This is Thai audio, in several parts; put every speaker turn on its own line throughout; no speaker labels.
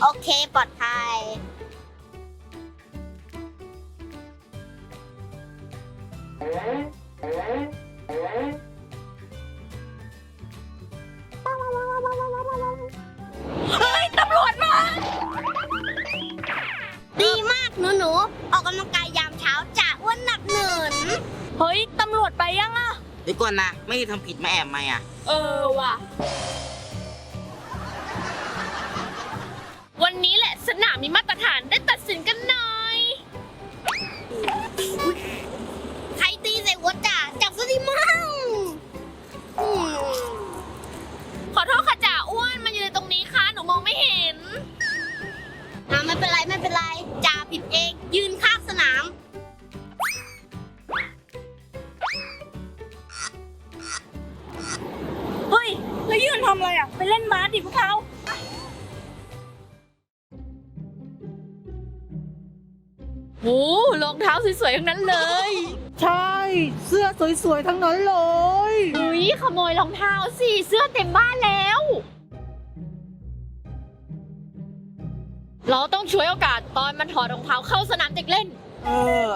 โอเคปลอดภัย
เฮ้ยตำรวจมา
ดีมากหนูออกกำลังกายยามเช้าจะอ้วนหนักหนึ่น
เฮ้ยตำรวจไปยังอะ
เดี๋ยวก่อนนะไม่ได้ทำผิดมาแอบไหมอ่ะ
เออว่ะวันนี้แหละสนามมีมาตรฐานได้ตัดสินกันหน่อย
ใครตีใส่หัวจ่าจับซะดิมั่งอืม
ขอโทษค่ะจ่าอ้วนมันอยู่ในตรงนี้ค่ะหนูมองไม่เห็น
ไม่เป็นไรจ่าผิดเองยืนข้างสนาม
เฮ้ยแล้วยืนทำอะไรอ่ะไปเล่นบาสดิพวกเราโอ้รองเท้าสวยๆทั้งนั้นเลย
ใช่ เสื้อสวยๆทั้งนั้นเลย
อุ้ยขโมยรองเท้าสิเสื้อเต็มบ้านแล้ว เราต้องช่วยโอกาสตอนมันถอดรองเท้าเข้าสนามเด็กเล่น
เออ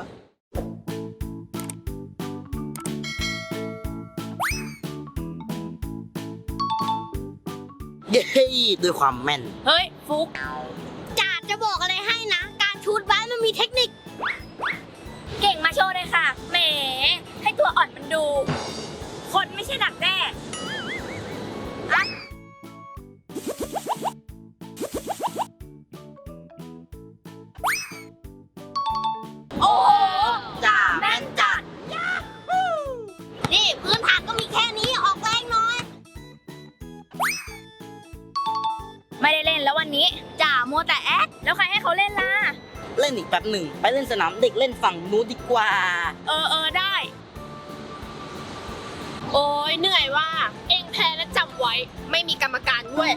เย้ด้วยความแม่น
เฮ้ยฟุก
จ่าจะบอกอะไรให้นะ การชูดบาสมันมีเทคนิค
เก่งมาโชว์เลยค่ะแหมให้ตัวอ่อนมันดู คนไม่ใช่ดักแด้โอ้โห
จ้าแม่นจัด
นี่พื้นฐานก็มีแค่นี้ออกแรงหน้อย
ไม่ได้เล่นแล้ววันนี้จ่ามัวแต่แอคแล้วใครให้เขาเล่นล่ะ
เล่นอีกแป๊บหนึ่งไปเล่นสนามเด็กเล่นฝั่งนู้นดีกว่า
เออได้ โอ้ยเหนื่อยว่า เองแพ้แล้วจำไว้ ไม่มีกรรมการด้วย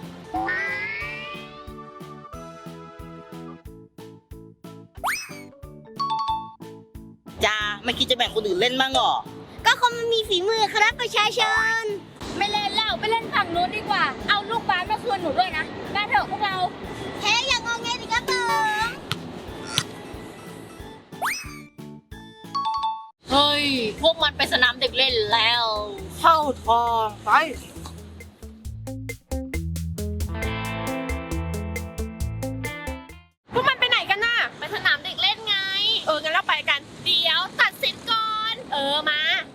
จ้าไม่คิดจะแบ่งคนอื่นเล่นบ้างหรอ
ก็คนมันมีฝีมือครับประชาชน
ไม่เล่นแล้วไปเล่นฝั่งนู้นดีกว่า เอาลูกบาสมาคืนหนูด้วยนะมาเถอะพวกเรา
แพ้อย่างงอแงดิครับผม
เฮ้ย พวกมันไปสนามเด็กเล่นแล้ว
เข้าทองไป
พวกมันไปไหนกันน่ะ ไปสนามเด็กเล่นไง งั้นเราไปกัน เดี๋ยวตัดสินก่อน มา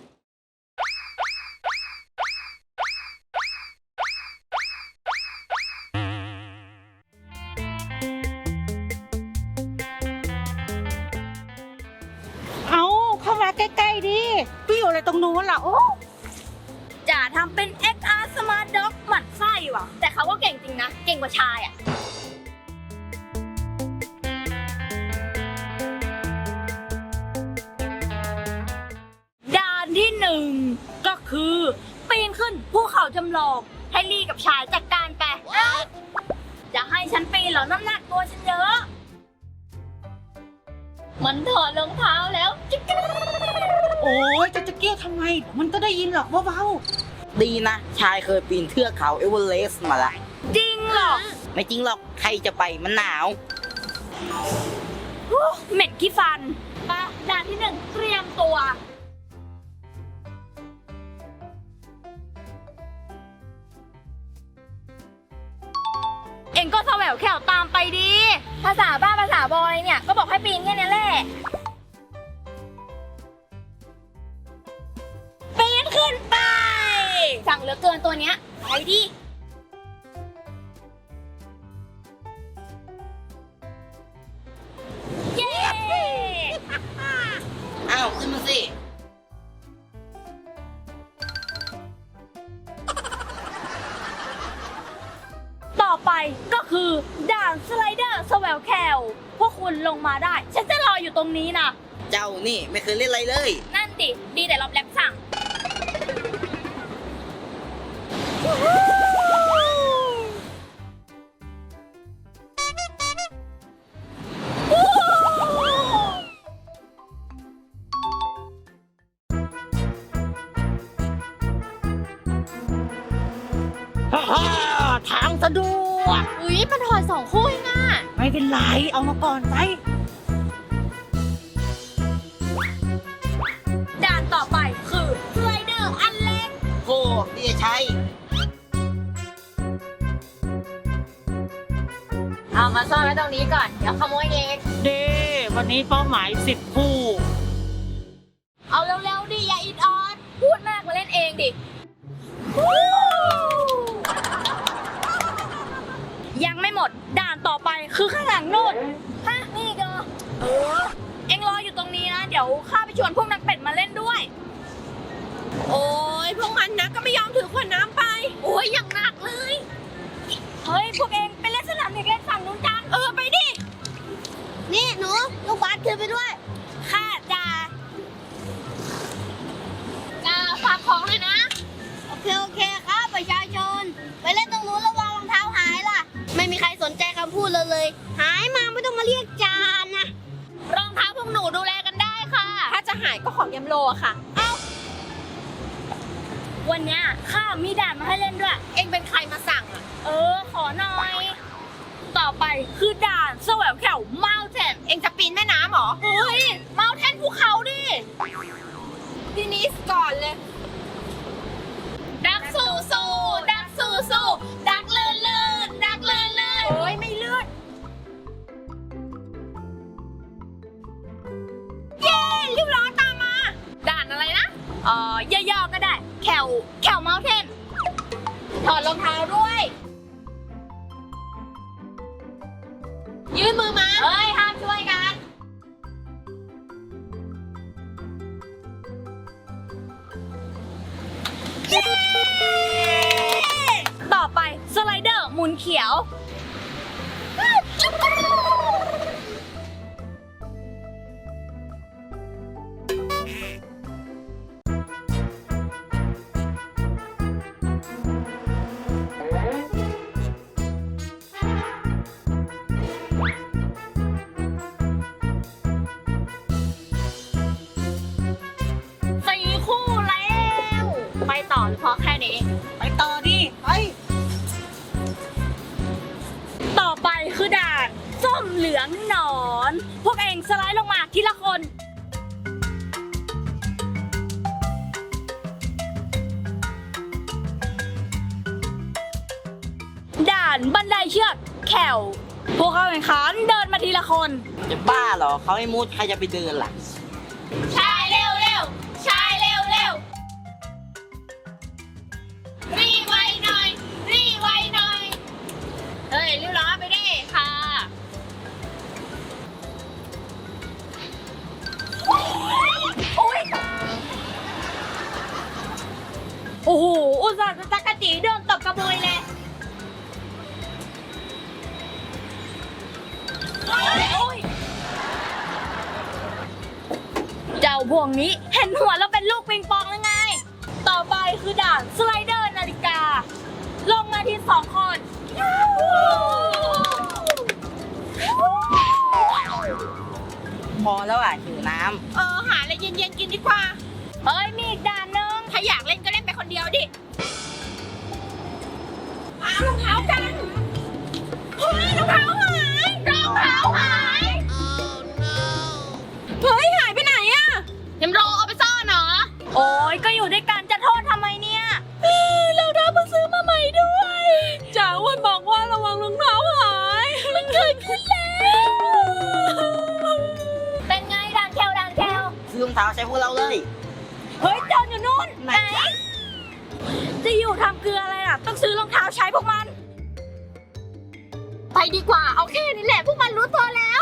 เอาเข้ามาใกล้ๆดิพี่อยู่อะไรตรงนู้นล่ะ โอ้
จ่าทำเป็น XR Smart Dog หมั่นไส้ว่ะ แต่เขาก็เก่งจริงนะ เก่งกว่าชายอ่ะ ด่านที่หนึ่งก็คือปีนขึ้นภูเขาจำลองให้ลี่กับชายจัดการไปจะให้ฉันปีนเหรอน้ำหนักตัวฉันเยอะ มันถอดรองเท้าแล้วจิ๊ก
โอ้ยจะเกี้ยวทำไมเดี๋ยวมันก็ได้ยินหรอกเบา
ดีนะ ชายเคยปีนเทือกเขาเอเวอเรสต์มาละ
จริงเหรอ
ไม่จริงหรอกใครจะไปมันหนาว
เหม็นขี้ฟันปะด่านที่หนึ่งเตรียมตัว เอ็งก็แสววแขวตามไปดี ภาษาบ้าภาษาบอยเนี่ย ก็บอกให้ปีนแค่นี้แหละ ปีนขึ้นไป สั่งเหลือเกินตัวเนี้ยไปดิ เย้
อ้าวขึ้นมาสิ
ต่อไปก็คือด่านสไลเดอร์สแวลแคลพวกคุณลงมาได้ ฉันจะรออยู่ตรงนี้นะ
เจ้านี่ไม่เคยเล่นอะไรเลย
นั่นดิดีแต่รอบแรปสั่ง
ๆฮ่าทางสะดววก
อุ้ยมันถอด2 คู่เองอ่ะ
ไม่เป็นไร เอามาก่อนไป
ด่านต่อไปคือสไลเดอร์อันเล็ก
โอ้นี่จะใช้
เอามาซ่อนไว้ตรงนี้ก่อน เดี๋ยวขโมยเอง
เด้วันนี้เป้าหมาย10 คู่
เอาเร็วๆดิอย่าอิดออดพูดมากมาเล่นเองดิยังไม่หมดด่านต่อไปคือข้างหลังโน่นฮะนี่ก็เอ็งรออยู่ตรงนี้นะ เดี๋ยวข้าไปชวนพวกนักเป็ดมาเล่นด้วย
โอ้ยพวกมันนะก็ไม่ยอมถือขวดน้ำไป โอ้ยอย่างหนักเลย
เฮ้ยพวกเองไปเล่นสนามเด็กเล่นฝั่งนู้นกันไปดิ
นี่หนูลูกบาสถือไปด้วย
ข้าจะ
จะฝากของเลยนะ โอเคครับประชาชน ไปเล่นตรงนู้นระวังรองเท้าหายล่ะ ไม่มีใครสนใจคำพูดเลย หายมาไม่ต้องมาเรียกจานนะ
รองเท้าพวกหนูดูแลกันได้ค่ะ
ถ้าจะหายก็ของยำโลอะค่ะ
วันเนี้ยข้ามีด่านมาให้เล่นด้วย
เอ็งเป็นใครมาสั่งอะ
ขอหน่อย ต่อไปคือด่านแสวงแถวเมาเทน
เอ็งจะปีนแม่น้ำเหรอ
เฮ้ยเมาเทนภูเขาดิ
พี่นิสก่อนเลย
ดักสู้สู้ดักสู้สู้ดักเลื่อนเลื่อนดักเลื่อนเลื่อน
โอ้ยไม่เลื่อน
เย้รีบร้อนตามมา ด่านอะไรนะย่อๆก็ได้แถวเมาเทนถอดรองเท้าด้วย
ยื่นมือมา
เฮ้ยห้ามช่วยกัน ต่อไปสไลเดอร์หมุนเขียว 4 คู่แล้ว ไปต่อหรือพอแค่นี้
ไปต่อดิ ไป
ต่อไปคือด่านส้มเหลืองหนอน พวกเองสไลด์ลงมาทีละคน ด่านบันไดเชือกแขวพวกเขาแข่งขันเดินมาทีละคน
จะบ้าเหรอเขาให้มุดใครจะไปเดินล่ะ
ชายเร็วเร็วชายเร็วเร็วรีไวหน่อยรีไวหน่อย เฮ้ยรีบร้อนไปดิค่ะโอ้โหอุตส่าห์จะจักรจีเดินตบกระบุยเลยโอ้ยเจ้าพวกนี้เห็นหัวแล้วเป็นลูกปิงปองหรือไง ต่อไปคือด่านสไลเดอร์นาฬิกา ลงมาที2 คน
พอแล้วอ่ะหิวน้
หาอะไรเย็นๆกินดีกว่า
เฮ้ยมีอีกด่านนึง
ถ้าอยากเล่นก็เล่นไปคนเดียวดิเอารองเท้ากัน เฮ้ยรองเท้าหาย
รองเท้าหาย
เฮ้ยหายไปไหนอะยำโรเอาไปซ่อนเหรอ
โอ้ยก็อยู่ด้วยกันจะโทษทำไมเนี่ยเราเพิ่งซื้อมาใหม่ด้วยจ๋าวันบอกว่าระวังรองเท้าหายมันเกิดขึ้นแล้วเป็นไงด่านแคล
ำซื้อรองเท้าใช้พวกเราเลย
เฮ้ยจอนอยู่นู่นไหนจะอยู่ทำเกลืออะไรล่ะต้องซื้อรองเท้าใช้พวกมัน
ไปดีกว่า เอาแค่นี้แหละพวกมันรู้ตัวแล้ว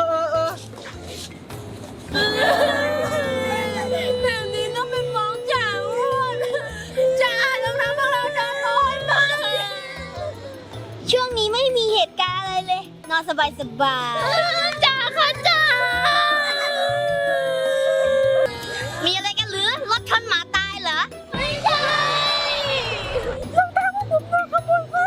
แบบนี้ต้องเป็นฟ้องจ๋าอ้วนจ๋ารองเท้าพวกเราโดนขโมยไป
ช่วงนี้ไม่มีเหตุการณ์อะไรเลย นอนสบาย
จ๋าค่ะจ๋า
ๆมีอะไรกันหรือ รถชนหมาตายเหรอ
ไม่ใช่รองเท้าของผมโดนขโมยค่ะ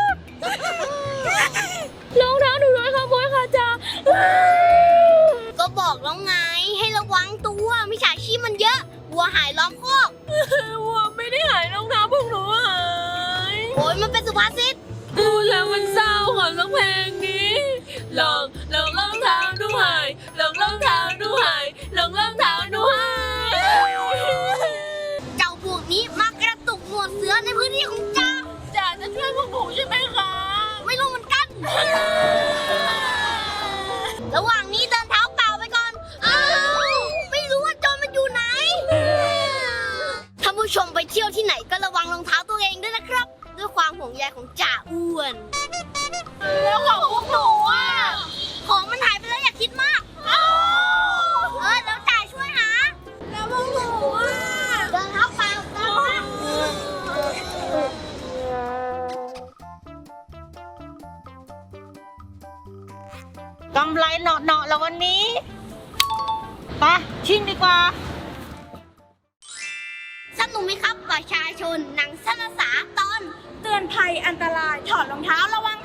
รองเท้าหนูโดนขโมยค่ะจ๋า
ก็บอกแล้วไง ให้ระวังตัวมิจฉาชีพมันเยอะ วัวหายล้อมคอก
วัวไม่ได้หายรองเท้าพวกหนูหาย
โอ้ยมันเป็นสุภาษิต
ดูแล้วมันเศร้าขอร้องเพลงนี้ลองรองเท้าด้วยลองรองเท้าด้วยลองรองเท้าด้วย
เจ้าพวกนี้มากระตุกหนวดเสือในพื้นที่ของจ่า
จ่าจะช่วยพวกหนูใช่ไหมคะ
ไม่รู้เหมือนกัน ระหว่างนี้เดินเท้าเปล่าไปก่อน อ้าว ไม่รู้ว่าโจรมันอยู่ไหน ท่านผู้ชมไปเที่ยวที่ไหนก็ระวังรองเท้าตัวเองด้วยนะครับ ด้วยความห่วงใยของจ่าอ้วน
แล้วของพวกหนูอ่ะ
ของมันหายไปแล้วอย่าคิดมาก เดี๋ยวจ่าช่วยหา
แล้วพวกหนูอ่ะ
เดินเท้าเปล่าเดินเท้า
กำไรเหนาะๆแล้ววันนี้ไปชิ่งดีกว่า
สนุกไหมครับประชาชนหนังสั้นภาษาตอน
เตือนภัยอันตรายถอดรองเท้าระวัง